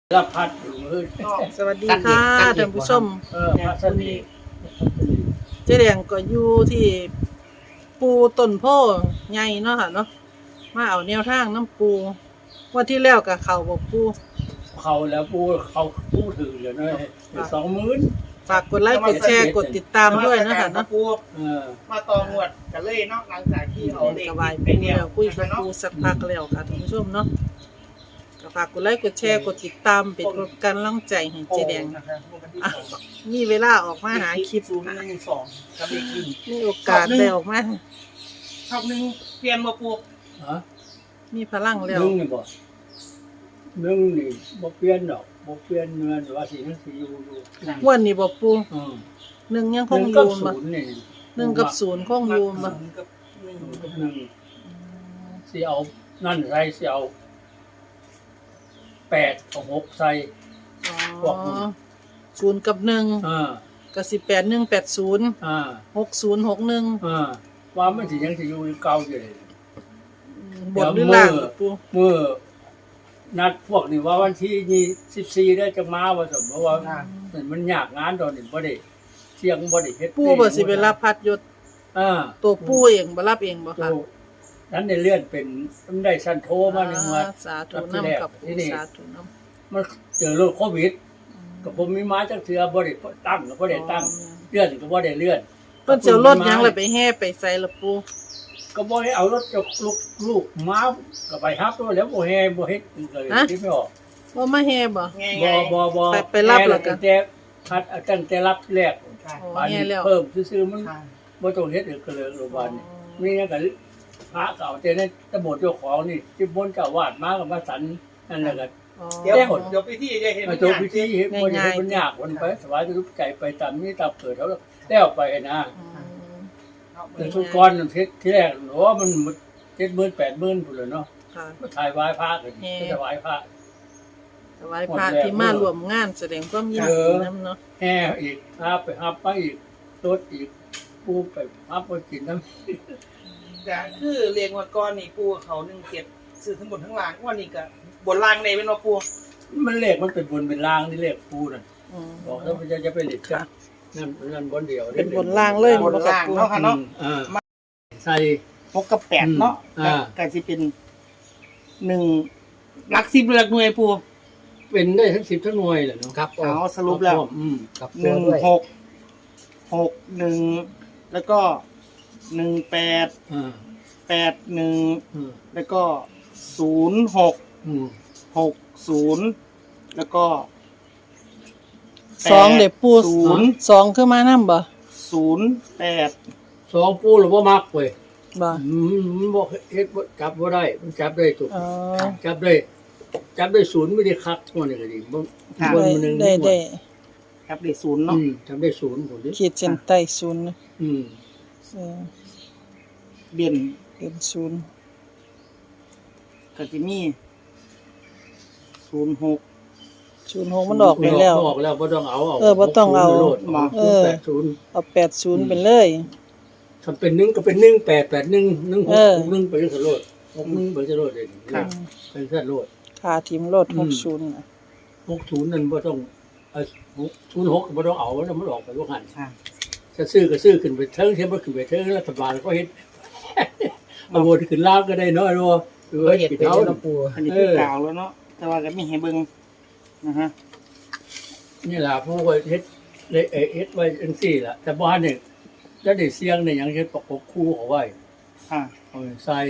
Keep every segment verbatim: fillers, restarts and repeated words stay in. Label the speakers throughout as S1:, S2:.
S1: รับพัดอยู่มือ
S2: สวัสดีค่ะท่านผู้ชม
S1: เออพัสนี
S2: เจ๊แดงก็อยู่ที่ปูต้นโพใหญ่เนาะค่ะเนาะมาเอาแนวทางน้ำปูวันที่แล้วกับเขาบอกปู
S1: เขาแล้วปูเขาปูถือเลยนะสองหมื่น
S2: ฝากกดไลค์กดแชร์กดติดตามด้วยนะคะเนาะ
S3: ปูมาต่อหมวดกันเลยเนาะหลังจากที่เราเด็ก
S2: สบายปูแล้วคุยกับปูสักพักแล้วค่ะท่านผู้ชมเนาะก็ฝากกดไลค์กดแชร์กดติดตามเป็นกำลังใจให้เจ๊แดงมีเวลาออกมาหาคลิป
S3: ศูนย์หนึ่งสองกับเลขหนึ่ง
S2: มีโอกาสได้ออกมา
S3: ชอบหนึ่งเปลี่ยนมาปู
S1: ฮะ
S2: มีพลังแล้ว
S1: นึ่งนี่บ่นึ่งนี่บ่เปลี่ยนดอกบ่เปลี่ยนเงินว่าสิมันสิอยู่อยู่
S2: วันนี้บ่ปู
S1: อือ
S2: หนึ่งยังคงอยู่บ่หนึ่งกับ
S1: ศู
S2: ศูนย์คงอยู่บ่
S3: กับหนึ่ง
S1: กับหนึ่งสิเอานั่นใส่สิเอาแปดกับหกใส่
S2: อ๋อศูนย์กับหนึ่ง
S1: อ่า
S2: ก็สิแปดหนึ่งแปดศูนย์
S1: อ่า
S2: หกศูนย์หกหนึ่ง
S1: อ่าว่ามันสิยังสิอยู่เก่าอยู่เลย
S2: บนหรือล่างปู
S1: เมื่อนัดพวกนี่ว่าวันที่ยี่สิบสี่ได้จะมาว่าสมมติว่ามันยากงานตอนนี้บ่ได้เที่ยงบ่ได้เฮ็ด
S2: ปูบ่สิไปรับพัดยศ
S1: อ่า
S2: ตัวปูเองบ่รับเองบ่ค่ะ
S1: นั้นได้เลื่อนเป็นมันได้ชั้นโทมาหนึ่งวัน
S2: สาธุนำกับปูสาธุนำ
S1: มันเจอโรคโควิดก็ผมมีไม้จักเทื่อบ่ได้ตั้งก็บ่ได้ตั้งเลื่อนก็บ่ได้เลื่อน
S2: เพิ่นสิเอารถหยังเลยไปแห่ไปใส่ละปู
S1: ก็บ่ให้เอารถจกลูกลูกม้าก็ไปฮับตัวแล้วบ่แห่บ่เฮ็ดเลยคิดไม่ออก
S2: บ่มาแห่บ่
S1: บ่บ่บ่
S2: ไปไปรับแล้วก็
S1: แต่พัดตั้งแต่รับแรกอันนี้เพิ่มซื่อๆมันบ่ต้องเฮ็ดอีกก็เลยโรงพยาบาลนี่ก็พระเก่าแต่ในตำบลเจ้าของนี่ที่บนเจ้าวาดมากับมาสันนั่นแหละก็
S3: เดี๋ยวเดี๋ยวพิธีจะเห็น
S1: จบพิธีเห็นบ่ได้มันยากมันไปสบายทุกใจไปตามนี้ตามเกิดแล้วแล้วไปนะแต่ทุกก้อนที่แรกโอ้มันเจ็ดหมื่นแปดหมื่นพุ่นเลยเนาะมาถ่ายไหว้พระกันถวายพระ
S2: ถวายพระที่มารวมงานแสดงความยินดีนำเนาะ
S1: แห่อีกฮับไปฮับไปอีกรถอีกปูไปฮับไปกินน้ำ
S3: จะคือเรียงว่าก้อนนี่ปูเขาหนึ่งเจ็ดสื่อทั้งบนทั้งล่างวันนี้ก็บนล่างในเป็นว่าปู
S1: มันเลขมันเป็นบนเป็นล่างนี่เลขปูน่ะบอกแล้วมันจะจะไปเลขกันนั่นนั่นบนเดียว
S2: เป็นบนล่างเลย
S3: บนล่างเนาะค่ะเนาะ
S1: ใส่
S3: หกกับแปดเนาะก็จะเป็นหนึ่งหลักสิบหลักหน่วยปู
S1: เป็นได้ทั้งสิบทั้งหน่วยแหละเนาะ
S3: ครับเอาสรุปแล้วหนึ่งหกหกหนึ่งแล้วก็หนึ่งแปดแปดหนึ่งแล้วก็ศูนย์หกหกศูนย์แล้วก็
S2: สองเด็กปูศูนย์สองคือมานั่มบ่
S3: ศูนย์แปด
S1: สองปูหรือว่ามักเว้ย
S2: บ่
S1: มันบอกเฮ็ดจับว่าได้มันจับได้ถูกจับได้จับได้ศูนย์ไม่ได้คักทั่วนี่ก็ดีบนมันหนึ่ง
S2: ได้ได้
S3: จับได้ศูนย์เนาะ
S1: จับได้ศูนย์ผมดิ
S2: ขีดเส้นใต้ศูนย์
S1: อืม
S3: เบียน
S2: เบียนศูนย์
S3: ก็จะมีศูนย์หก
S2: ศูนย์หกมันออกไปแล้ว
S1: ออกแล้วบ่ต้องเอา
S2: เออบ่ต้องเอาเออ
S1: แปดศูนย์
S2: เอาแปดศูนย์ไปเลย
S1: ถ้าเป็นหนึ่งก็เป็นหนึ่งแปดแปดหนึ่งหนึ่งหกหนึ่งไปสโลดหกหนึ่งไปสโลดเลยครับเป็นสโลด
S2: ค่าทีมโลดหกศูนย์น่ะ
S1: หกศูนย์นั่นบ่ต้องเอ่อศูนย์หกบ่ต้องเอาแล้วมันออกไปว่าหั่นจะซื้อก็ซื้อขึ้นไปเทิงเทียบบ่ขึ้นไปเทิงรัฐบาลก็เฮ็ดเอาวนขึ้นล่างก็ได้น้อยรัว
S3: เออเฮ็ดไปแล้วปูอันนี้คือกล่าวแล้วเนาะแต่ว่าก็มีให้เบิ่งนะฮะ
S1: นี่ล่ะผู้ก็เฮ็ดเลยเฮ็ดไว้จังซี่ล่ะแต่บ่ทันนี่จะได้เสียงได้หยังเฮ็ดประกบคู่เอาไว้
S3: ค่ะ
S1: เอาใส่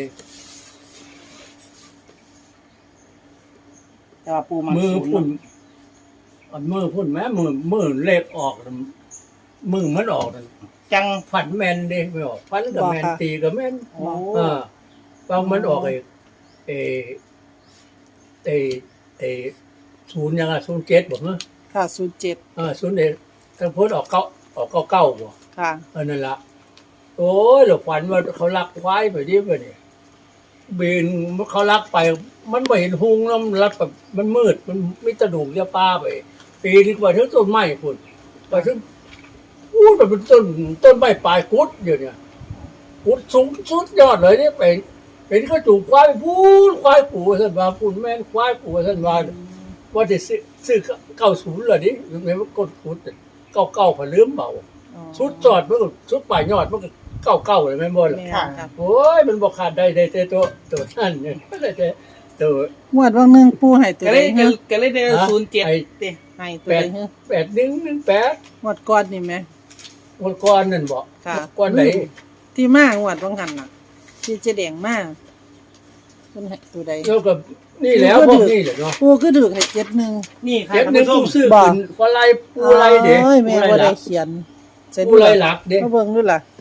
S3: แต่ว่าปูมา
S1: มือพุ่นอันมือพุ่นแม้มือมือเลขออกมือมันออก
S3: จัง
S1: ฝันแม่นเด้ไม่ออกฝันก็แม่นตีก็แม่นอ่าบางมันออกไอ้เอเอเอศูนย์ยังอ่ะศูนย์เจ็ดบ่ฮะ
S2: ค่ะศูนย์เจ็ด
S1: อ่าศูนย์เอ็ดถ้าพูดออกเก้าออกเก้าเก้าบ่
S2: ค่ะ
S1: อันนั้นล่ะโอ้ยเราฝันว่าเขาลักควายไปดิไปนี่บินเขาลักไปมันไม่เห็นหุงแล้วมันลักแบบมันมืดมันมีตะดูกยาป้าไปปีนี้ไปถึงต้นไม้พุ่นไปถึงพูดแบบเป็นต้นต้นไม้ปลายกุดอยู่เนี่ยกุดสูงสุดยอดเลยเนี่ยเป็นเป็นเขาจูบควายพูดควายปู่ท่านว่าพูดแม่นควายปู่ท่านว่าว่าจะซื้อซื้อเก้าศูนย์เหรอดิยังไงมันกดขุดเก้าเก้าผ่นลืมเบา
S2: อ๋อ
S1: ชุดจอดมันก็ชุดป่ายยอดมันก็เก้าเก้าเลยแม่นบ่ล่ะ
S2: แม่นครับ
S1: โอ้ยมันบอกขาดได้ได้แต่ตัวตัวนั่นเนี่ยไม่ได้แต่ตัว
S2: งวดว่างหนึงปูให้ตัว
S3: ก็
S2: ใด
S3: เลย
S2: ฮะ
S3: ก็เลยได้ศูนย์เจ็ด
S1: ไอ้
S3: เต้
S2: ให้ตัว
S1: แป
S2: ใด
S1: ด
S2: ฮะ
S1: แปดหนึ่งหนึ่งแปด
S2: งวดก่อนนี่แหม
S1: วันก่อนนั่นบอก
S2: ค่ะ
S1: ก่อนไหน
S2: ที่มางวดว่างหันน่ะ ที่เจ๊แดงมาเพิ่นให้ตัวใด
S1: แล้วก็นี่แล้วพวกนี้แหละเนาะ
S2: ปูก็ถือให้เจ็ดหนึ่ง
S3: นี่ค่ะ
S1: เจ็ด
S3: ท่าน
S1: หนึ่ง
S3: ผู้ช
S1: กู
S3: ม
S1: ซื้อ
S2: บ่
S1: ขึ้นปลาไหลปูไหลเด็ก
S2: เอ้ยแม่
S1: ปูไหล
S2: บ่
S1: หลั
S2: ได้
S1: ก
S2: เขียนใส่
S1: ปูไหลหลักเด็ก
S2: มาเบิ่งดูล่ะ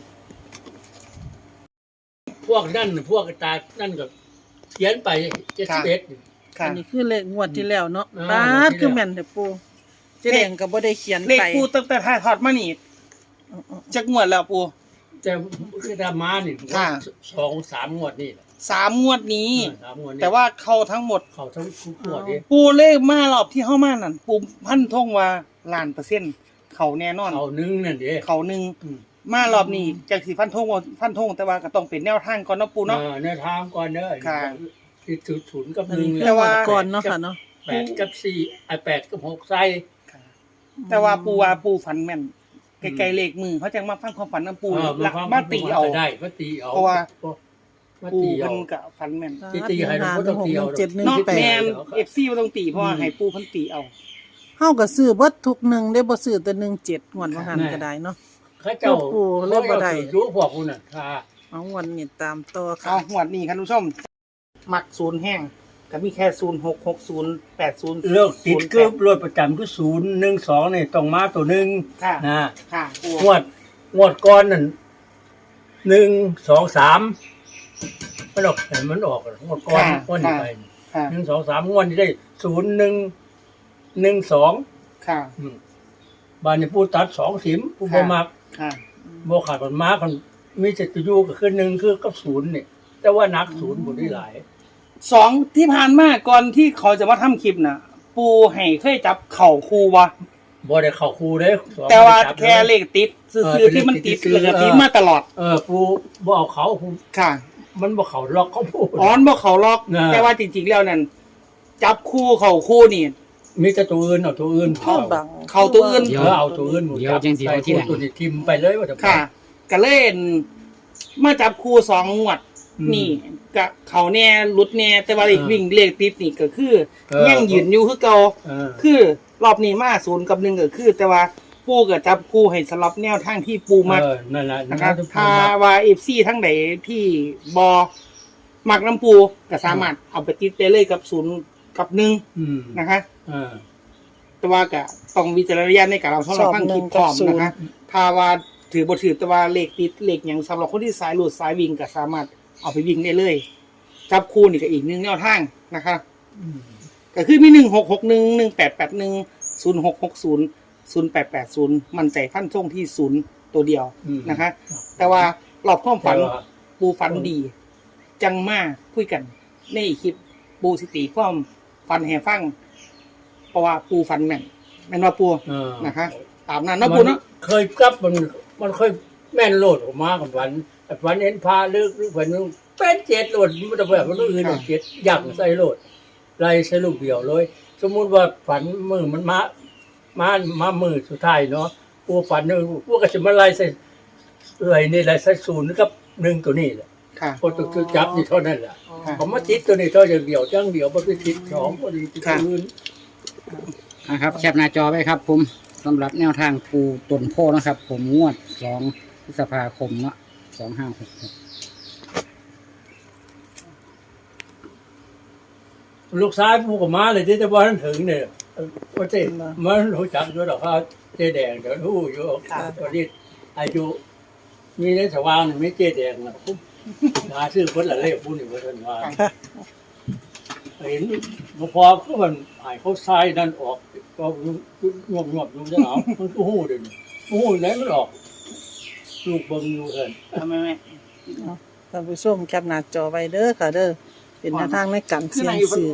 S1: พวกนั่นพวกตานั่นก็เขียนไปเจ็ดสิบเอ็ด
S3: ค่ะ
S2: อันนี้คือเลขงวดที่แล้วเนาะ
S1: อ่า
S2: บาด
S1: งวดที่แล้ว
S2: คือแม่นแต่ปูเจ๊แดงก็บ่ได้เขียน
S3: เลข
S2: ไป
S3: ปูตั้งแต่ถ่ายทอดมานี่จักงวดแล้วปู
S1: แต่คือดามานี่
S3: ค่ะ
S1: สองสามงวดนี่แหละ
S3: สามงวดนี้
S1: เออสามงวดนี่
S3: แต่ว่าเข้าทั้งหมด
S1: เขาทั้งทุกงวดนี่
S3: ปูเลขมารอบที่เข้ามานั่นปูพันธงว่าล้านเปอร์เซ็นต์เขาแน่นอน
S1: เขาหนึงนั่นเด้
S3: เขาหนึ่ง
S1: อืม
S3: มารอบนี้จากสิฟันธงว่าฟันธงแต่ว่าก็ต้องเป็นแนวทางก่อนเนาะปูเนาะ
S1: เออในทางก่อนเด้อ
S3: ค่ะ
S1: ที่ศูนย์ศูนย์กับ
S2: อัน
S1: หนึ่
S2: นี้
S1: ง
S2: คือ
S3: แต่
S2: งว
S3: ว่า
S2: ดก่อนเนาะค่ะเนาะ
S1: แปดกับสี่ไอแปดกับหกใส่
S3: แต่ว่าปูว่าปูฝันแม่นไกลๆเลขมือเขาจังมาฟังความฝันน้ำปู
S1: เออ
S3: หลัก
S1: ฟัง
S3: มาตีเอา
S1: ได้มาตีเอา
S3: เพราะว่า
S1: มา
S3: ปู
S1: ตีเอา
S3: เพิ่นก็ฝันแม่น
S1: ที่ตีให้เราก็ต้องตีเอา
S2: เจ็ดหนึ่ง
S3: นอก
S2: แป
S3: แม
S2: ด
S3: นเอฟซีบ่ต้องตีเพราะว่าให้ปูเพิ่นตีเอา
S2: เฮาก็ซื้อเบิดทุกหนึ่งได้บ่ซื้อแต่หนึ่งเจ็ดงวดว่างหันก็ได้เนาะ
S1: เขาเจ้า
S2: ปูเริ่มบ่ได้
S1: รู้พวกคุณน่ะค่ะ
S2: เอางวดนี้ตามต่อค่ะ
S3: เอาหวดนี้ครับทุกผู้ชมมักศูนย์แห้งก็มีแค่ศูนย์หกหกศูนย์แปดศูนย์
S1: เลิกติดคือรถประจำคือศูนย์หนึ่งสองนี่ต้องมาตัวหนึ่ง
S3: ค่ะ
S1: นะ
S3: ค่ะปู
S1: งวดงวดก้อนนั่นหนึ่งสองสามมันออกเห็นมันออกงวดก้อนงวดนี้ไป
S3: ค่ะ
S1: หนึ่งสองสามงวดนี้ได้ศูนย์หนึ่งหนึ่งสอง
S3: ค่ะ
S1: บานนี้ผู้ตัดสองสิมผู้บ่มัก
S3: ค่ะ
S1: บ่ขาดมันมาคนมีแต่ตัวอยู่ก็คือหนึ่งคือกับศูนย์นี่แต่ว่านักศูนย์บ่ได้หลาย
S3: สองที่ผ่านมาก่อนที่เขาจะมาทำคลิปน่ะ ปูให้เคยจับเข่าครูบ่
S1: บ่ได้เข้าครูเด้สอง
S3: แต่ว่า
S1: จับ
S3: แค่เลขติดซื้อๆที่มันติดแล้วก็ติดมาตลอด
S1: เออปูบ่เอาเขาปู
S3: ค่ะ
S1: มันบ่เขาล็อกเขาพูด
S3: อ้อนบ่เขาล็อก
S1: น่ะ
S3: แต่ว่าจริงๆแล้วนั่นจับคู่เข่าคู่นี่
S1: มีแต่ตัวอื่นเอาตัวอื่น
S2: เข้าบัง
S3: เข้าตัวอื่น
S1: เออเอาตัวอื่นหมด
S4: เดี๋ยวจังสิเอาที่หลัง
S1: ตัวนี้ทิมไปเลยว่าจะ
S3: ค่ะก็เล่นมาจับคู่สองงวด
S1: อืม
S3: นี่กะเขาแน่รุดแน่แต่ว่าเลข
S1: เออ
S3: วิ่งเลขติดนี่ก็คือ
S1: เออ
S3: ยังยืนอยู่คือเก่า
S1: เออ
S3: คือรอบนี้มาศูนย์กับหนึ่งก็คือ แต่ว่าปูก็จับคู่ให้สลับแนวทางที่ปูมัก
S1: เออนั่นแหละ
S3: นะครับ
S1: ทุก
S3: ถ้า
S1: มัก
S3: ว่าเอฟซีทั้งใดที่บอมักน้ำปูก็สามารถเอาไปติดได้เลยกับศูนย์กับหนึ่ง
S1: อืม
S3: นะคะ
S1: เออ
S3: แต่ว่าก็ต้องวิจารณญาณในการเราชอบเราฟังคลิปพร้อมนะคะถ้าว่าถือบทถือแต่ว่าเลขติดเลขอย่างสำหรับคนที่สายหลุดสายวิ่งก็สามารถเอาไปวิ่งได้เลยจับคู่นี่ก็อีกหนึ่งแนวทางนะคะ
S1: อืม
S3: ก็คือมีหนึ่งหกหกหนึ่งหนึ่งแปดแปดหนึ่งศูนย์หกหกศูนย์ศูนย์แปดแปดศูนย์มันใจฟันท่งที่ศูนย์ตัวเดียว
S1: อืม
S3: นะคะ แต่ว่าหลอบความฝัน
S1: แต่ว่า
S3: ปูฝันดี จังมาคุยกันในคลิปปูสิติความฝันแห่ฟัง เพราะว่าปูฝันแม่นแม่นว่าปู
S1: เออ
S3: นะคะ ตามนั้นเนาะปูเนาะ
S1: เคยกลับมันมันเคยแม่นโลดออกมากับวันแต่วันเห็นพาเลือกหรือวันนึงเป็นเจ็ดโลดมันจะแบบมันต้องอื่นเจ็ดย่างใส่โลดไล่ใส่ลูกเดียวเลย สมมุติว่าฝันมือมันมามามามือสุดท้ายเนาะปูฝันนึงปูก็จะมาไล่ใส่เอ้ยนี่ไล่ใส่ศูนย์กับหนึ่งตัวนี้แหละ
S3: ค่ะ
S1: พอตัวจับนี่เท่านั้นแหละ
S3: ค่ะ
S1: ผมมาติดตัวนี้เท่าอย่างเดียวจังเดียวมันไปติดสองพอดีติดอื่น
S4: นะครับแคปหน้าจอไว้ครับผมสำหรับแนวทางปูตนโพนะครับ ผมงวดสองพฤษภาคมเนาะสองห้าหกหก
S1: ลูกชายปูกับม้าเลยที่จะว่าท่านถึงเนี่ยว่าเจ๊มันรู้จักอยู่หรอกครับเจ๊แดงเดี๋ยวรู้อยู่ตอนนี้อายุมีในสว่างไม่เจ๊แดงนะปุ๊บหาซื้อคนละเล่ปุ้นอยู่ว่าท่านว่าเห็นพอเขามันหายเขาทรายนั่นออกก็งวบงวบดูจะหนาวมันก็หู้เดี๋ยวนี้หู้ไหนมันออกลูกเบิ่งอยู่เถิน
S3: ทำไมแม่
S2: ท่านผู้ชมแคปหน้าจอไว้เด้อค่ะเด้อเป็นแนวทางในการ
S3: คือ
S2: เสี่ย
S3: นาง ยอยู่
S2: ซื้อ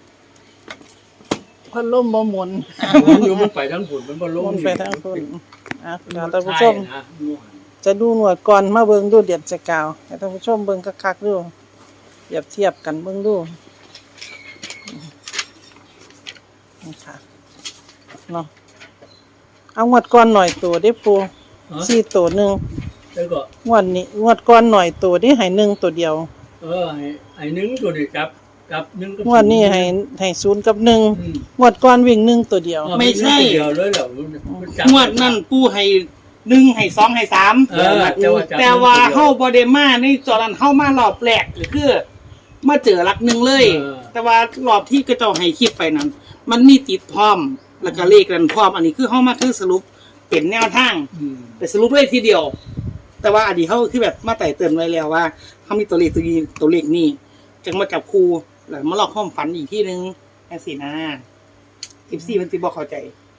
S2: พัดลมบ่หมุน
S1: มันอยู่มันไปทั้งฝุ่นมันบ่ล
S2: ห
S1: ง
S2: มุนไปทางคนอ่ะท่านผู้
S1: ใช่
S2: ชม
S1: นะ
S2: จะดูหนวดก่อนมาเบิ่งดูเดียดจะกาวให้ท่านผู้ชมเบิ่งคักๆดูเปรียบเทียบกันเบิ่งดูนี่ค่ะเนาะเอางวดก้อนหน่อยตัวได้ปู
S1: ฮะ
S2: สี่ตัวหนึ่ง
S1: แล้วก็
S2: งวดนี้งวดก้อนหน่อยตัวได้ให้หนึ่งตัวเดียว
S1: เออไอ้ไอ้หนึ่งตัวนี้กับกับหนึ่งกับ
S2: งวดนี้ให้ให้ศูนย์กับหนึ่ง
S1: อืม
S2: งวดก้อนวิ่งหนึ่งตัวเดียว
S1: เออ
S3: ไม่ใช่
S1: ตัวเดียวเลยเหรอมันจับ
S3: งวดนั่นปูให้หนึ่งให้สองให้สาม
S1: เออแต่ว่าจับ
S3: แต่ว่าเฮาบ่ได้มาในจอนั้นเฮามารอบแรกหรือคือมาเจอหลักหนึ่งเลย
S1: เออ
S3: แต่ว่ารอบที่กระเจ้าให้คลิปไปนั้น มันมีติดพร้อมแล้วก็เลขกันพร้อมอันนี้คือเฮามาคือสรุปเป็นแนวทาง
S1: อืม
S3: แต่สรุปเลยทีเดียว แต่ว่าอันนี้เขาคือแบบมาไต่เตือนไว้แล้วว่าเขามีตัวเลขตัวนี้ตัวเลขนี่จึงมาจับคู่แล้วมาลอกข้อมฝันอีกที่นึงแค่สินะสิบสี่มันสิบอกเข้าใจ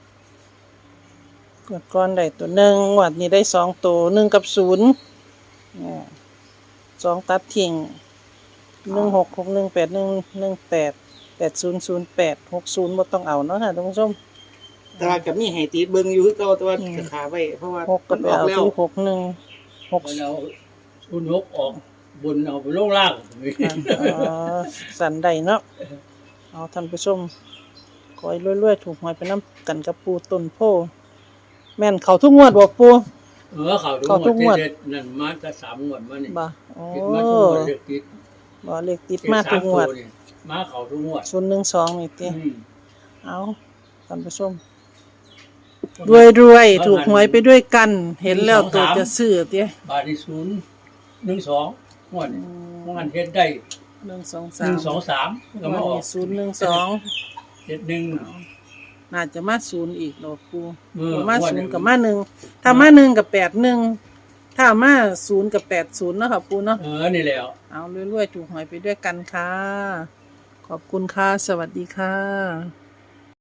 S2: งวดก้อนได้ตัวหนึ่งงวดนี้ได้สองตัวหนึ่งกับศูนย์อ่าสองตัดทิ้งหนึ่งหกหกหนึ่งแปดหนึ่งหนึ่งแปดแปดศูนย์ศูนย์แปดหกศูนย์บ่ต้องเอาเนาะค่ะท่านผู้ชม
S3: แต่ว่ากับมีให้ตีเบิ่งอยู่คือเก่าแต่ว่า
S2: อืม
S3: จะขาไว้เพราะว่า
S2: หกก็
S3: มัน
S2: ไป
S3: ออก
S2: เอา
S3: แล้ว
S2: ที่หกหนึ่งหก
S1: มันเอาคุณนกออกบนเอาไปลงล่าง
S2: อ๋อสันใดเนาะเอาท่านผู้ชมคอยรวยๆถูกหวยไปน้ำกันกับปูต้นโพแม่นเขาทุกงวดบอกปู
S1: เออเขา
S2: เขาทุ
S1: ทุ
S2: ก
S1: ก
S2: ง
S1: ง
S2: ว
S1: ว
S2: ด
S1: ดเด็ดนั่นมาจะสามงวดมานี่
S2: บ่โอ้
S1: ติดมาทุกงวดเด็กติด
S2: บ่เลขติดมาทุกงวด
S1: ติสามตันี่มาเขาทุกงวด
S2: ศูนย์หนึ่งสองนี่ติ
S1: อืม
S2: เอาท่านผู้ชมรวยรวยๆถูกหวยไปด้วยกัน เห็นแล้วตัวจะซื้อเตี้ย
S1: บาทที่ศูนย์หนึ่งสองงวดนี่งวดเฮ็ดได้
S2: หนึ่งสอง
S1: ห
S2: สา
S1: นึ่
S2: ม
S1: งสองสามก็มาออก
S2: ศูนย์หนึ่งสอง
S1: เจ็ดหนึ่ง
S2: น่าจะมาศูนย์อีกดอกปู
S1: เออ
S2: มา
S1: วัน
S2: ศู
S1: หนึ่
S2: น
S1: ง
S2: ย์กับมาหนึ่งถ้ามาหนึ่งกับแปดหนึ่งถ้ามาศูนย์กับแปดศูนย์เนาะค่ะปูเนาะ
S1: เออนี่แหล้ว
S2: เอารวยๆถูกหวยไปด้วยกันค่ะ ขอบคุณค่ะ สวัสดีค่ะ